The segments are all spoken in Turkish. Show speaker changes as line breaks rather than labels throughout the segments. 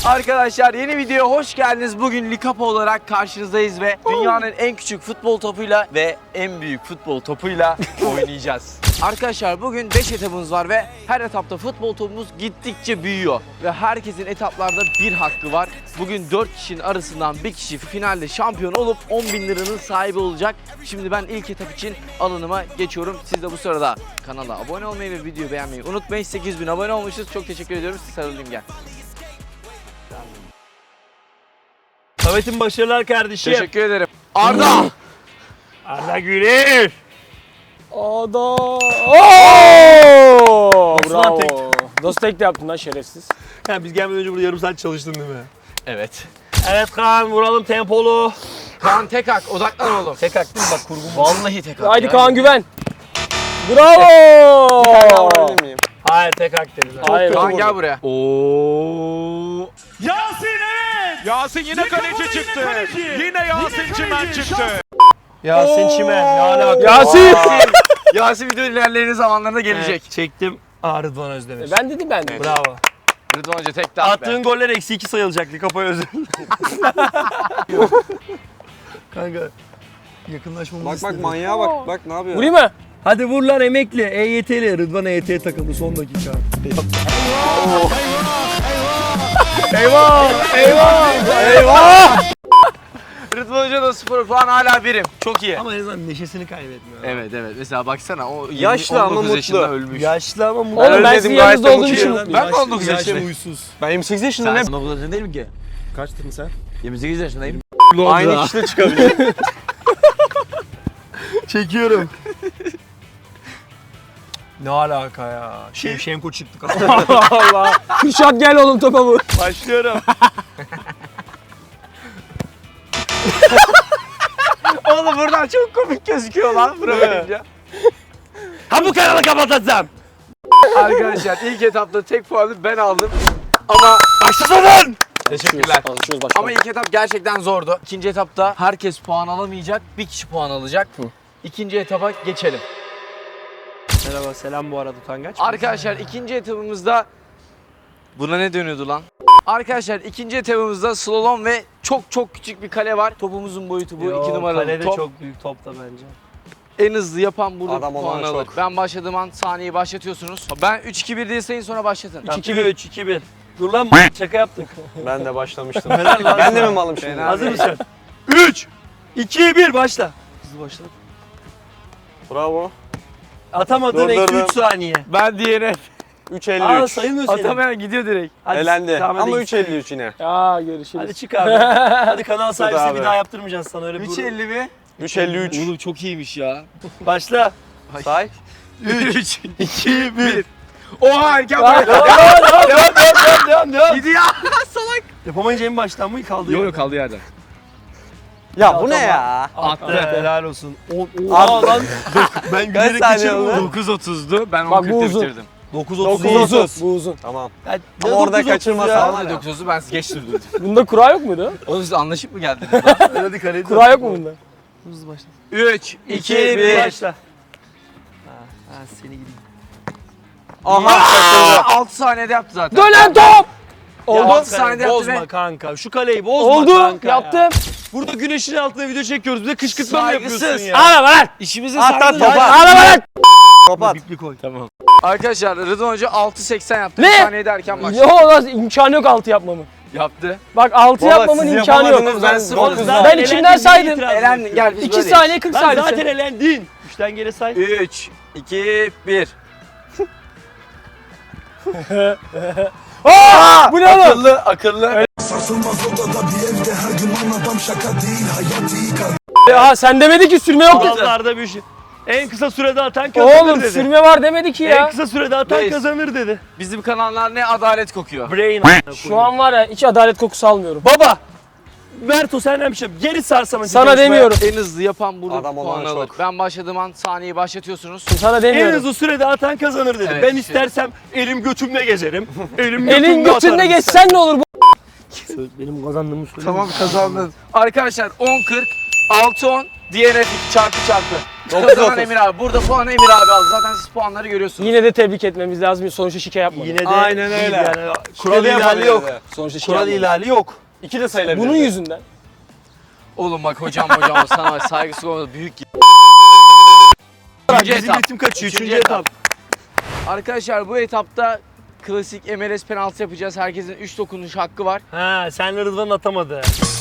Arkadaşlar yeni videoya hoş geldiniz. Bugün Likapa olarak karşınızdayız ve dünyanın en küçük futbol topuyla ve en büyük futbol topuyla oynayacağız. Arkadaşlar bugün 5 etapımız var ve her etapta futbol topumuz gittikçe büyüyor. Ve herkesin etaplarda bir hakkı var. Bugün 4 kişinin arasından bir kişi finalde şampiyon olup 10.000 liranın sahibi olacak. Şimdi ben ilk etap için alanıma geçiyorum. Siz de bu sırada kanala abone olmayı ve videoyu beğenmeyi unutmayın. 8.000 abone olmuşuz. Çok teşekkür ediyorum. Sarılayım gel.
Samet'in başarılar kardeşim.
Teşekkür ederim. Arda!
Arda Güler.
Arda!
Nasıl lan tek?
Nasıl tek de yaptın lan şerefsiz?
Ha, biz gelmeden önce burada yarım saat çalıştın değil mi?
Evet.
Evet Kaan, vuralım tempolu.
Kaan tek hak. Odaklan oğlum.
Tek hak değil mi? Bak kurgum.
Vallahi tek hak.
Haydi
ya.
Kaan güven. Bravo!
Hayır tek hak dedi.
Hayır.
Kaan gel buraya.
Oo.
Yasin evet.
Yasin yine kaleci çıktı. Yine Yasin Çimen çıktı.
Yasin Çimen. Ne alaka?
Yasin!
Yasin video ilerleyen zamanlarda gelecek.
Evet, çektim. Rıdvan Özdemir.
Ben dedim.
Bravo.
Rıdvan Hoca tek de at be.
Attığın goller -2 sayılacaktı. Kafaya özel. Kanka. Yakınlaşmamız
Bak manyağa bak. Bak ne yapıyor?
Vurayım mı?
Hadi vur lan emekli. EYT'li. Rıdvan EYT takıldı son dakika.
Eyvah!
Rıdvan Hoca da 0 puan hala birim. Çok iyi.
Ama en azından neşesini kaybetmiyor.
Evet evet. Mesela baksana o
Yaşlı ama
19 yaşında
mutlu.
ölmüş.
Yaşlı ama mutlu.
Oğlum ben
ölmedim,
sizin
gayet
yanınızda
de
olduğum için
mutluyum.
mutluyum.
Ben de 19 yaşındayım.
Huysuz.
Ben 28 yaşındayım.
Sen 19 yaşında değilim ki.
Kaçtın sen?
28 yaşındayım.
Aynı kişide çıkabilir.
Çekiyorum. Ne alaka ya? Şevşenko çıktı.
Allah. Kürşat gel oğlum topa vur.
Başlıyorum.
Oğlum buradan çok komik gözüküyor lan bırakınca.
Ha bu kanalı kapatacağım.
Arkadaşlar ilk etapta tek puanı ben aldım. Ama
Başlasın.
teşekkürler.
Alışıyoruz başkanım.
Ama ilk etap gerçekten zordu. İkinci etapta herkes puan alamayacak. Bir kişi puan alacak. İkinci etapa geçelim.
Merhaba, selam bu arada utangaç.
Arkadaşlar ikinci etapımızda buna ne dönüyordu lan? Arkadaşlar ikinci etapımızda slalom ve çok küçük bir kale var. Topumuzun boyutu bu 2 numaralı
kalede
top.
çok büyük top da bence.
En hızlı yapan burada
Adam
puan
olan
alır.
çok.
Ben başladığım an saniyeyi başlatıyorsunuz. Ben 3-2-1 diye sayın sonra başlatın.
3-2-1. Dur lan şaka yaptık.
Ben de başlamıştım.
Helal lan.
Ben de mi malım şimdi?
Fena.
Hazır mısın? 3, 2, 1 başla. Hızlı başla.
Bravo.
Atamadığın eksi
Durdurdum.
3 saniye.
Ben diyene
3.53.
sayılmıyor senin.
atamayan gidiyor direkt.
Hadi,
Elendi.
tamam, hadi
Ama
git.
3.53 yine.
Ya görüşürüz.
Hadi çık abi. Hadi kanal sahibi
abi.
bir daha yaptırmayacağız sana öyle bir
3.50 mi?
3.53.
Oğlum çok iyiymiş ya.
Başla.
Say.
3, 2, 1. Oha erken bırak.
Devam.
Gidiyor.
Yapamayınca en baştan mı kaldı?
Yok kaldı yerden.
Ya bu ne ya?
Attı. Helal olsun.
Abi.
Lan. Ben
Kaç
gülerek
saniye
geçiyorum.
oldu?
9.30'du. Ben
Bak, bu
10.40'da
uzun.
bitirdim.
9.30.
Bu uzun.
Tamam.
Ya,
Ama
ne
orada
9.30
kaçırmasan
ya?
var ya.
9.30'du ben geç durdum.
Bunda kura yok muydu?
Oğlum siz anlaşıp mı geldiniz?
Hadi kaleye.
Kura yok mu bunda?
Hızlı başla.
3, 2,
2, 1
1.
başla. Ha seni gideyim.
Aha.
6 saniyede yaptı zaten.
Dönen top!
Oldu.
Ya,
6 saniyede yaptı
bozma
ve
kanka. Şu kaleyi bozma
Oldu.
kanka.
Yaptım.
Burada güneşin altında video çekiyoruz. Bir de kışkırtma mı yapıyorsun
Saygısız.
ya?
Ağlama lan!
işimize
At
saygı
topa.
Ağlama lan!
Kapat.
Bipli koy.
Tamam. Arkadaşlar Rıdvan Hoca 6.80 yaptı.
Ne?
1 saniyede erken başladı.
Yo lan imkanı yok 6 yapmamın.
Yaptı.
Bak 6
Baba,
yapmamın
siz
imkanı yok.
yapamadınız, ben sıfır.
Oğlum, zaten
Ben
elendin,
içimden
niye
saydım.
itiraz
Elendin
ediyorsun?
gel biz
2
böyleyiz.
saniye 40
Lan
saniye.
zaten elendin. 3'ten geri say.
3, 2, 1.
Aa! Bu ne oğlum?
Akıllı.
Sarsılmaz odada bir evde her gün adam şaka değil hayat iyi
Ya sen demedi ki sürme yok.
Kurallarda bir şey. En kısa sürede atan kazanır
Oğlum
dedi.
sürme var demedi ki
En
ya.
kısa sürede atan
Reis.
kazanır dedi.
Bizim kanallar ne adalet kokuyor.
Brain.
Şu an var ya hiç adalet kokusu almıyorum.
Baba. Berto senden bir şey. Geri sarsama.
Sana demiyorum.
En hızlı yapan burada
Adam
puan
olan
alır.
çok.
Ben başladığım an saniyeyi başlatıyorsunuz.
Sana
En
demiyorum.
hızlı sürede atan kazanır dedi.
Evet,
Ben
işte.
istersem elim götümle gezerim. Elim
Elin götünde geçsen ne olur bu?
Benim kazandığımı söyle.
Tamam kazandın. Arkadaşlar 10-40, 6-10, DNF çarpı. Kazanan Emir abi. Burada puanı Emir abi aldı. Zaten siz puanları görüyorsunuz.
Yine de tebrik etmemiz lazım. Sonuçta şike yapmadı.
Yine de
Aynen
değil
öyle.
Yani. Kural
de
ihlali
yapabilir
yok.
de.
Sonuçta şike
Kural
yapmadı.
ihlali yok.
İki de sayılabilir.
Bunun yüzünden.
Oğlum bak hocam sana saygısız olmadı. Büyük. Üçüncü
Bizim
etap.
ritim kaçıyor.
Üçüncü
Üçüncü etap.
Arkadaşlar bu etapta klasik MLS penaltı yapacağız. Herkesin 3 dokunuş hakkı var.
Ha, senle Rıdvan atamadı.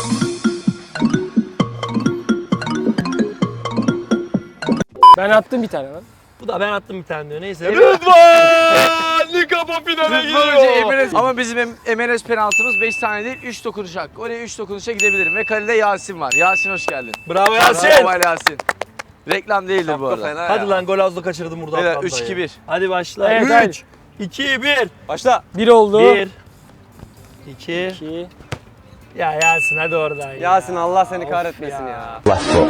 Ben attım bir tane lan.
Bu da ben attım bir tane diyor. Neyse.
Rıdvan! Ligapo finale
Rıdvan Hoca
gidiyor.
MLS. Ama bizim MLS penaltımız 5 tane değil 3 dokunuş hakkı. Oraya 3 dokunuşa gidebilirim. Ve kalede Yasin var. Yasin hoş geldin.
Bravo Yasin.
Bravo Yasin. Reklam değildir bu arada.
Fena
Hadi
ya.
lan gol azla kaçırdım burada.
Beyler,
ablayı.
3-2-1.
Hadi başla.
Evet,
3,
hadi.
2, 1.
Başla.
1 oldu.
1, 2.
2.
Ya Yasin hadi oradan ya.
Yasin Allah seni
Of
kahretmesin ya.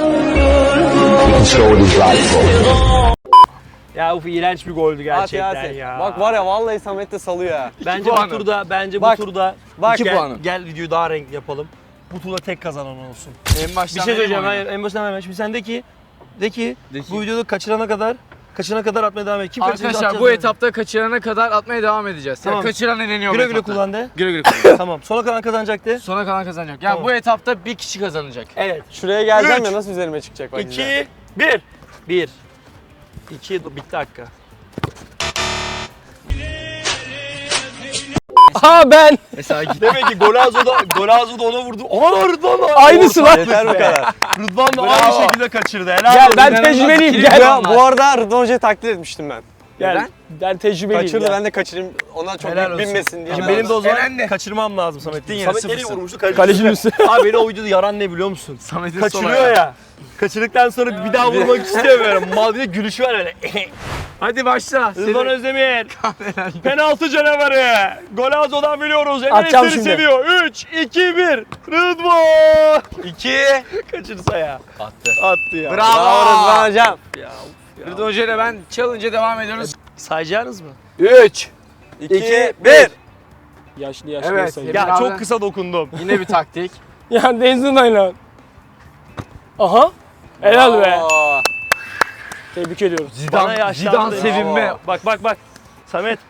Ya uf iğrenç bir goldü
At
gerçekten
Yasin.
ya.
Bak var ya vallahi Samet de salıyor ya.
Bence
puanı.
bu turda
Bak,
bu turda
bak.
gel,
2 puanı.
gel videoyu daha renkli yapalım. Bu turda tek kazanan olsun.
En baştan
Bir şey söyleyeceğim. Hayır, en başından hemen. Şimdi sen de ki bu videoda kaçırana kadar atmaya devam et. Kim kaçırırsa
Arkadaşlar
atacağız
bu
yani.
etapta kaçırana kadar atmaya devam edeceğiz.
Tamam.
Yani kaçıran eleniyor
Güle
bu
güle
etapta.
kullan de.
Güle güle kullan.
Tamam. Sona kalan kazanacaktı.
Sona kalan kazanacak. Yani
Tamam.
bu etapta bir kişi kazanacak.
Evet.
Şuraya geleceğim
3,
ya nasıl üzerime çıkacak bak.
2, 1. 1. 2 bitti dakika.
Aha ben.
Mesela git.
Demek ki Golazo da ona vurdu. Aa Rıdvan da.
Aynısı lan.
Yeter bu kadar.
Rıdvan da
Bravo.
aynı şekilde kaçırdı. Helal
Gel
olsun.
ben
İnanılmaz
tecrübeliyim
ikili
gel.
puan.
Bu arada Rıdvan Hoca'yı taklit etmiştim ben.
Gel.
Neden?
Ben tecrübeliyim.
Kaçırdı
gel.
ben de kaçırayım. Ona çok
Helal
yük
olsun.
binmesin diye.
Şimdi
ben
benim de o zaman
Eren de.
kaçırmam lazım Samet'in.
yine
Samet nereye
0-0.
vurmuştu?
Kalecinin üstüne.
Abi beni o videoda yaran ne biliyor musun?
Samet'in
Kaçırıyor ya. Kaçırdıktan sonra bir daha vurmak istemiyorum. Mal bir de gülüşü var öyle.
Hadi başla.
Rıdvan Özdemir. Penaltı canavarı. Golazo'dan biliyoruz.
Atacağım
Enes'leri
şimdi.
seviyor. 3, 2, 1. Rıdvan.
2.
Kaçırsa ya.
Attı.
Attı ya.
Bravo.
Bravo Rıdvan Hocam.
Rıdvan Hoca ile ben challenge'a devam ediyoruz.
Sayacaksınız mı?
3.
2, 1.
Yaşlı
Evet.
sayı.
Ya
Abi.
çok kısa dokundum.
Yine bir taktik.
Ya Denzin oyna. Aha. Helal be.
Oo.
Tebrik ediyorum.
Bana
Zidane
yaşlandı.
sevinme.
Bak. Samet.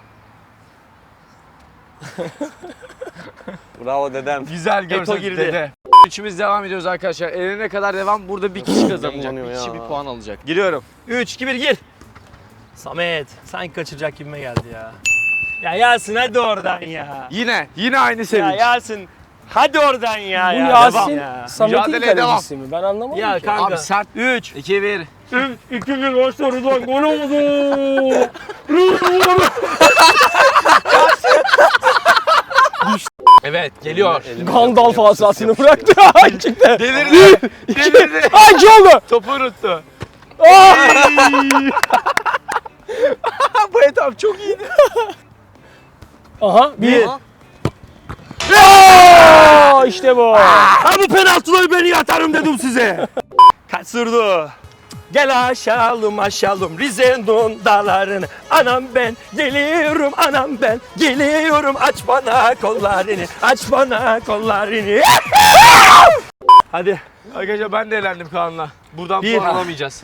Bravo dedem.
Güzel
Eto
görsel
girdi.
dede. Üçümüz devam ediyoruz arkadaşlar. Elene kadar devam. Burada bir kişi kazanacak.
Yanıyor
Bir kişi
ya.
bir puan alacak. Giriyorum.
3, 2, 1 gir. Samet. Sanki kaçıracak gibime geldi ya. Ya Yasin hadi oradan ya.
Yine aynı
Ya
sevinç.
Yasin. Hadi oradan ya.
Bu
ya.
Yasin
Devam ya.
Samet'in
Mücadeleye devam.
kalecisi mi? Ben anlamadım
Ya
ki.
kanka.
Abi sert.
3,
2 1.
2, 1 başla Rıdvan. Gol oldu.
Evet geliyor.
Gandalf asasını bıraktı. Çıktı.
Delirdi. Delirdi.
Ay iki oldu.
Topu unuttu.
Bu etap çok iyiydi.
Aha. Bir.
1.
Aa, işte bu.
Ha bu penaltıları beni yatarım dedim size. Kaçırdı. Gel aşalım Rize'nin dağlarını. Anam ben geliyorum aç bana kollarını. Hadi.
Arkadaşlar ben de elendim Kaan'la. Buradan
Bir.
puan alamayacağız.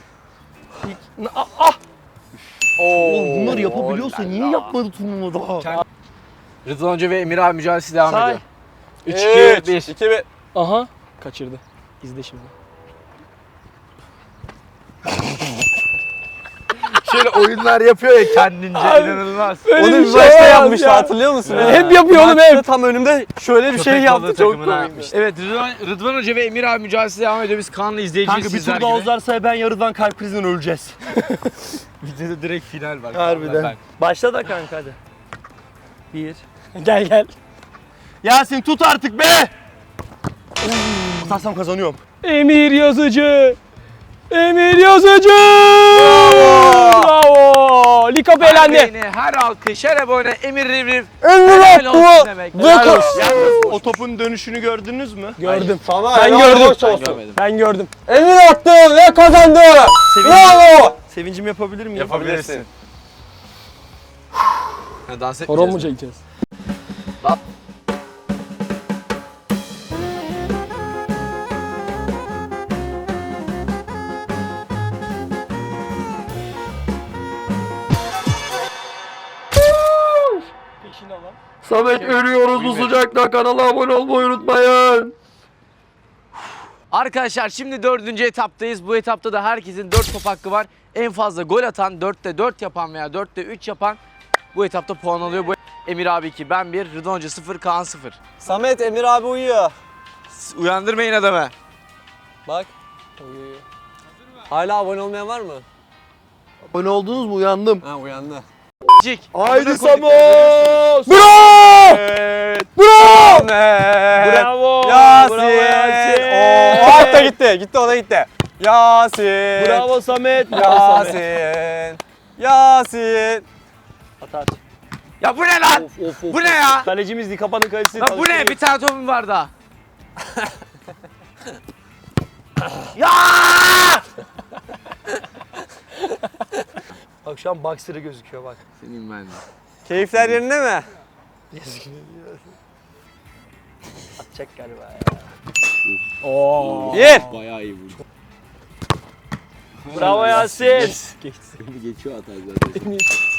Oğlum bunları yapabiliyorsa niye yapmadı turnuvada?
Rıdvan Hoca ve Emir abi mücadelesi devam
Say.
ediyor. 3 2 1.
2, 1.
Aha. Kaçırdı. İzle şimdi.
Şöyle oyunlar yapıyor ya kendince inanılmaz.
Öyle
Onu
bir
bir
şey
başta
olamaz
yapmıştı
ya.
hatırlıyor musun?
Hep yapıyor oğlum
Maçta
hep.
tam önümde şöyle bir şey
Köpek
yaptı
balığı
çok
takımına
komikmiş.
yapmış. Evet Rıdvan Hoca ve Emir abi mücadelesi devam ediyor. Biz Kaan'la izleyeceğiz
Kanka bir
sizler
tur daha
gibi.
uzarsa ben yarıdan kalp krizinden öleceğiz.
Videoda direkt final var.
Harbiden.
Ben.
Başla da kanka hadi. 1.
Gel.
Yasin tut artık be! Atarsam kazanıyorum.
Emir Yazıcı. Bravo. Likap
Her
elendi.
beğeni, her alkış, her abone Emir Rivriv.
Emir
Helal olsun
attı.
demek.
Helal olsun.
Yalnız o topun dönüşünü gördünüz mü?
Gördüm.
Sana
Ben
helal
gördüm.
hoş olsun.
Görmedim.
Ben gördüm.
Emir attı ve kazandı.
Bravo! Sevincimi yapabilir miyim?
Yapabilirsin. Ha, dans etmeyeceğiz.
Horon mu çekeceğiz?
Lan. Samet ölüyoruz bu sıcakta. Kanala abone olmayı unutmayın. Arkadaşlar şimdi 4. etaptayız. Bu etapta da herkesin 4 top hakkı var. En fazla gol atan, 4'te 4 yapan veya 4'te 3 yapan bu etapta puan alıyor. Bu Emir abi 2, ben 1, Rıdvan Hoca 0, Kaan 0.
Samet, Emir abi uyuyor.
Uyandırmayın adamı.
Bak. Uyuyor. Hala abone olmayan var mı?
Abone oldunuz mu? Uyandım.
Ha uyandı.
Cik.
Haydi
Samet.
Bravo! Bravo!
Bravo.
Yasin.
Bravo Yasin.
Oo, hatta gitti. Gitti, o da gitti. Yasin.
Bravo Samet. Bravo Samet.
Yasin. Yasin.
At at.
Ya bu ne lan?
Of, of,
Bu ne ya?
Kalecimiz Dikapa'nın kalecisi.
Lan bu ne? Bir tane topum var daha. Ya!
Bak şu an boxer'ı gözüküyor bak.
Senin ben de.
Keyifler yerinde mi?
Atacak galiba ya.
Oo.
Bir.
Bayağı iyi vurdu.
Bravo Yasin.
Geçiyor hata zaten.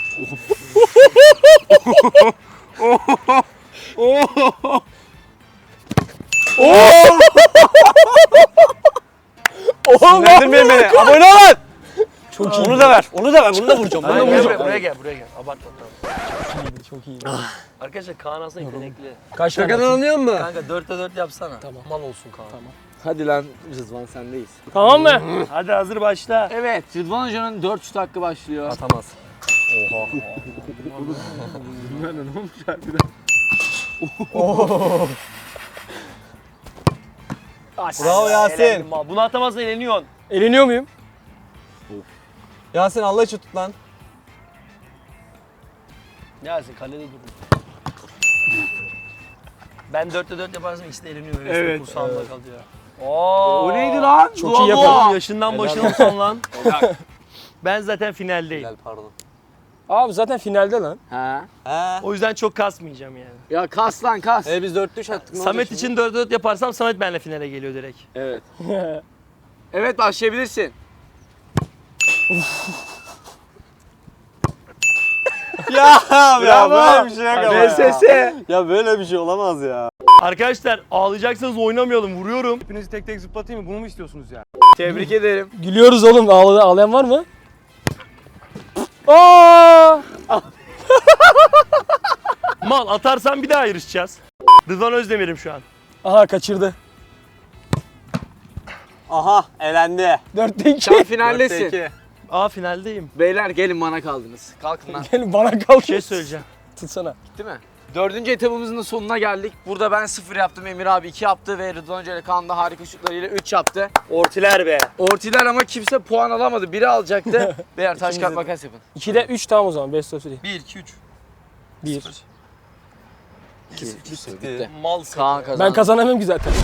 Sinirlendirmeyin beni. Abone olun.
Çok iyi.
Onu da ver. Onu da ver. Bunu da vuracağım. Bunu da
Buraya
vuracağım.
gel, buraya gel, buraya gel. Abartma tamam.
Çok iyi.
Arkadaşlar Kaan aslında yetenekli.
Kaç tane?
Şakadan anlıyor musun?
Kanka 4'te 4 yapsana.
Tamam.
Mal olsun Kaan.
Tamam.
Hadi lan Rıdvan sendeyiz.
Tamam mı?
Hadi hazır başla.
Evet, Rıdvan Hoca'nın 4 şut hakkı başlıyor.
Atamaz. Bravo Yasin.
Elendim mal. Bunu atamazsan eleniyorsun.
Eleniyor muyum?
Yasin Allah için tut lan.
Yasin kalede durun. Ben 4'te 4 yaparsam ikisi de eleniyor.
Evet,
Kursağımda kalıyor. Oo.
O neydi lan?
Çok iyi
Oğlum,
yapar.
yaşından başına son lan. Ben zaten finaldeyim.
Gel pardon.
Abi zaten finalde lan.
Ha.
He.
O yüzden çok kasmayacağım yani.
Ya kas lan kas.
Biz 4-3 attık. ne
Samet
olacak
için 4'te 4 yaparsam Samet benimle finale geliyor direkt.
Evet. Evet başlayabilirsin.
şimdi? Ya böyle bir şey yok ama ya.
VSS.
Ya böyle bir şey olamaz ya.
Arkadaşlar ağlayacaksanız oynamayalım. Vuruyorum.
Hepinizi tek tek zıplatayım mı? Bunu mu istiyorsunuz ya?
Tebrik ederim.
Gülüyoruz oğlum. Ağlayan var mı? Aa!
Mal atarsan bir daha yarışacağız. Rıdvan Özdemir'im şu an.
Aha kaçırdı.
Aha elendi.
4'te 2.
Sen finaldesin.
4-2.
Aa finaldeyim.
Beyler gelin bana kaldınız. Kalkın lan.
Gelin bana kalk.
Bir şey söyleyeceğim.
Tutsana.
Değil mi? 4. etabımızın da sonuna geldik. Burada ben 0 yaptım, Emir abi 2 yaptı ve Rıdvan Hoca ile Kaan da harika şutlarıyla 3 yaptı.
Ortiler be.
Ortiler ama kimse puan alamadı. Biri alacaktı. Beyler taş kağıt makas yapın.
2'de 3 tamam o zaman. Best of 3.
1, 2, 3.
1.
Bitti.
Mal
Kaan kazandı.
Ben kazanamıyorum ki zaten.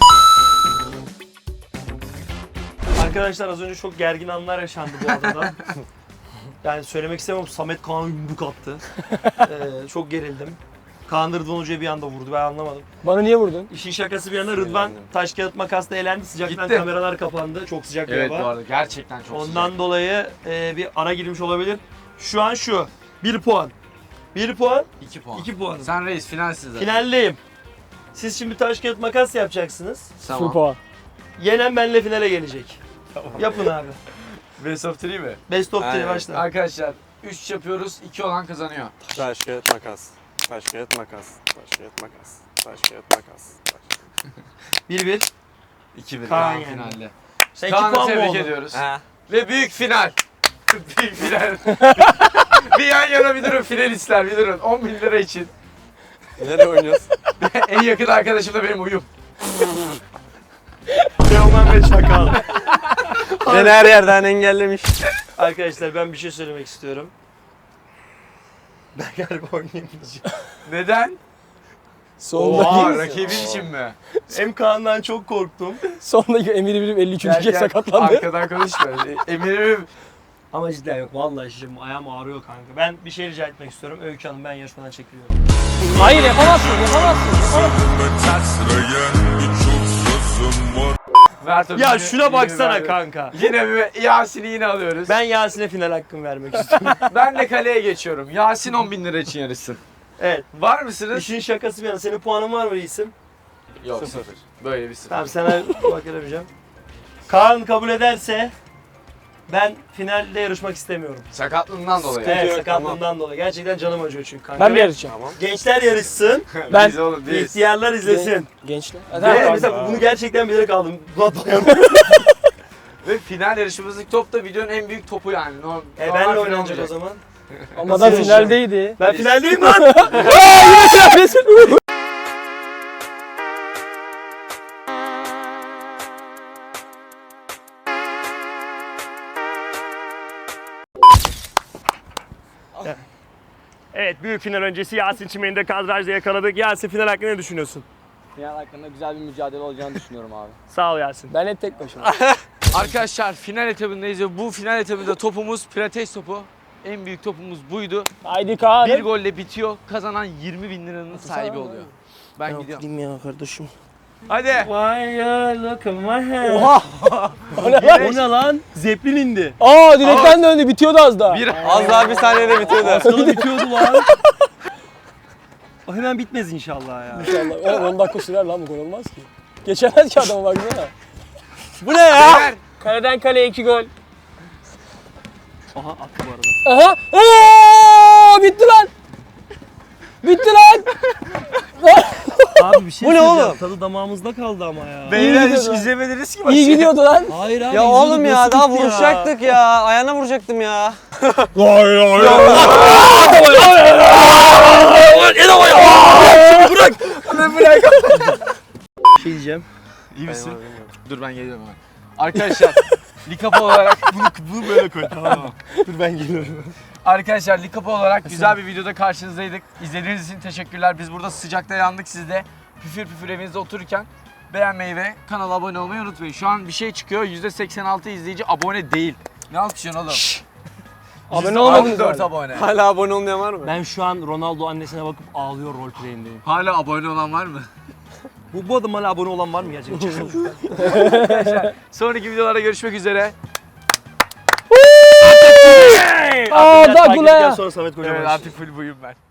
Arkadaşlar az önce çok gergin anlar yaşandı bu arada. Yani söylemek istemem, Samet Kaan'a yumruk attı. Çok gerildim. Kaan da Rıdvan Hoca'ya bir anda vurdu, ben anlamadım.
Bana niye vurdun?
İşin şakası bir yana Rıdvan taş kağıt makasla elendi. Sıcaktan
Gitti.
kameralar kapandı. Çok sıcak bir
Evet bu
hava.
arada gerçekten çok
Ondan dolayı bir ara girmiş olabilir. Şu an şu. 1 puan. 1 puan,
2 puan.
2 puan.
Sen reis finalsin zaten.
Finaldeyim. Siz şimdi taş kağıt makas yapacaksınız.
Full puan.
Yenen benimle finale gelecek. Yapın abi.
Best of 3 mi?
Best of 3
Aynen.
başla.
Arkadaşlar 3 yapıyoruz. 2 olan kazanıyor.
Taş kağıt makas. Taş kağıt makas. Taş kağıt makas. Taş kağıt makas.
1-1.
2-1
Kaan
Kaan
yendi.
finalde.
Sen 2
Kaan'ı
puan mı
tebrik
oldun?
ediyoruz.
He.
Ve büyük final. Büyük final. Bir yan yana bir durun finalistler bir durun. 10 bin lira için.
Nereye oynuyoruz?
En yakın arkadaşım da benim uyum.
Teoman ve Çakal.
Beni her yerden engellemiş.
Arkadaşlar ben bir şey söylemek istiyorum. Ben galiba oynayamayacağım.
Neden?
Sondaki,
Oha rakibin için mi?
Hem Kaan'dan çok korktum.
sondaki Emir'i bilip 53.
Gel,
kez
gel.
sakatlandı.
Arkadan konuşma. Emir'im.
Ama cidden yok. Vallahi şimdi ayağım ağrıyor kanka. Ben bir şey rica etmek istiyorum. Öykü Hanım ben yarışmadan çekiliyorum.
Hayır yapamazsın, yapamazsın.
Mert abi,
Ya
yine-
şuna
yine
baksana
bir-
kanka.
Yine bir Yasin'i yine alıyoruz.
Ben Yasin'e final hakkımı vermek istiyorum.
Ben de kaleye geçiyorum. Yasin 10 bin lira için yarışsın.
Evet.
Var mısınız?
İşin şakası bir yana. Senin puanın var mı reisim?
Yok, sıfır. Böyle bir sıfır.
Tamam sana bak vereceğim. Kaan kabul ederse ben finalde yarışmak istemiyorum.
Sakatlığından dolayı.
Evet,
yok,
sakatlığından dolayı. Gerçekten canım acıyor çünkü kanka.
Ben mi
Ve
yarışacağım?
Gençler yarışsın,
Ben-
Biz oğlum değiliz.
ihtiyarlar izlesin.
Gençler.
Ve mesela bunu gerçekten bilerek aldım.
Ve final yarışımızdaki top da videonun en büyük topu yani.
Benle
final
oynanacak o
olacak.
zaman.
Ama da finaldeydi.
Ben finaldeyim lan. Evet, büyük final öncesi Yasin Çimen'i de kadrajda yakaladık. Yasin, final hakkında ne düşünüyorsun?
Final hakkında güzel bir mücadele olacağını düşünüyorum abi.
Sağ ol Yasin.
Ben hep tek başıma.
Arkadaşlar final etabındayız ve bu final etabında topumuz pilates topu. En büyük topumuz buydu.
Haydi Kaan.
Bir golle bitiyor. Kazanan 20.000 liranın sahibi oluyor. Ben gidiyorum.
Gideyim ya kardeşim.
Hadi.
Why you look at my head?
Oha! O ne lan?
O ne lan? Zeplin indi.
Aa direkten döndü bitiyordu az daha.
Az daha bir saniyede bitiyordu.
Aslanı bitiyordu lan. O hemen bitmez inşallah ya.
İnşallah. Oğlum 10 dakika sürer lan bu gol olmaz ki. Geçemez ki adama baksana.
Bu ne ya?
Beyler,
Kaleden kaleye 2 gol.
Aha attı bu arada.
Aha! Oo! Bitti lan! Bitti lan!
Abi bir şey
Bu ne
söyleyeceğim.
oğlum?
Tadı damağımızda kaldı ama ya.
Beyler hiç
gidiyordu.
izlemediniz ki
İyi gidiyordu lan.
Hayır abi.
Ya oğlum ya
nasıl
daha
bitti
vuracaktık ya. Ayağına vuracaktım ya.
Bir şey diyeceğim.
İyi misin? Dur ben geliyorum hemen. Arkadaşlar Likapa olarak bunu böyle koy tamam mı?
Dur ben geliyorum.
Arkadaşlar Likapa olarak güzel bir videoda karşınızdaydık. İzlediğiniz için teşekkürler. Biz burada sıcakta yandık, siz de püfür püfür evinizde otururken beğenmeyi ve kanala abone olmayı unutmayın. Şu an bir şey çıkıyor. %86 izleyici abone değil. Ne alkışlıyorsun oğlum?
Abone olmadınız
4
hala.
abone.
Hala abone olmayan var mı?
Ben şu an Ronaldo annesine bakıp ağlıyor roleplay'indeyim.
Hala abone olan var mı?
Bu adam hala abone olan var mı gerçekten?
Sonraki videolarda görüşmek üzere.
Aa,
Biraz
da
takip
Gula'ya.
edeceğiz, sonra Samet Kocaman.
Evet artık full buyum ben.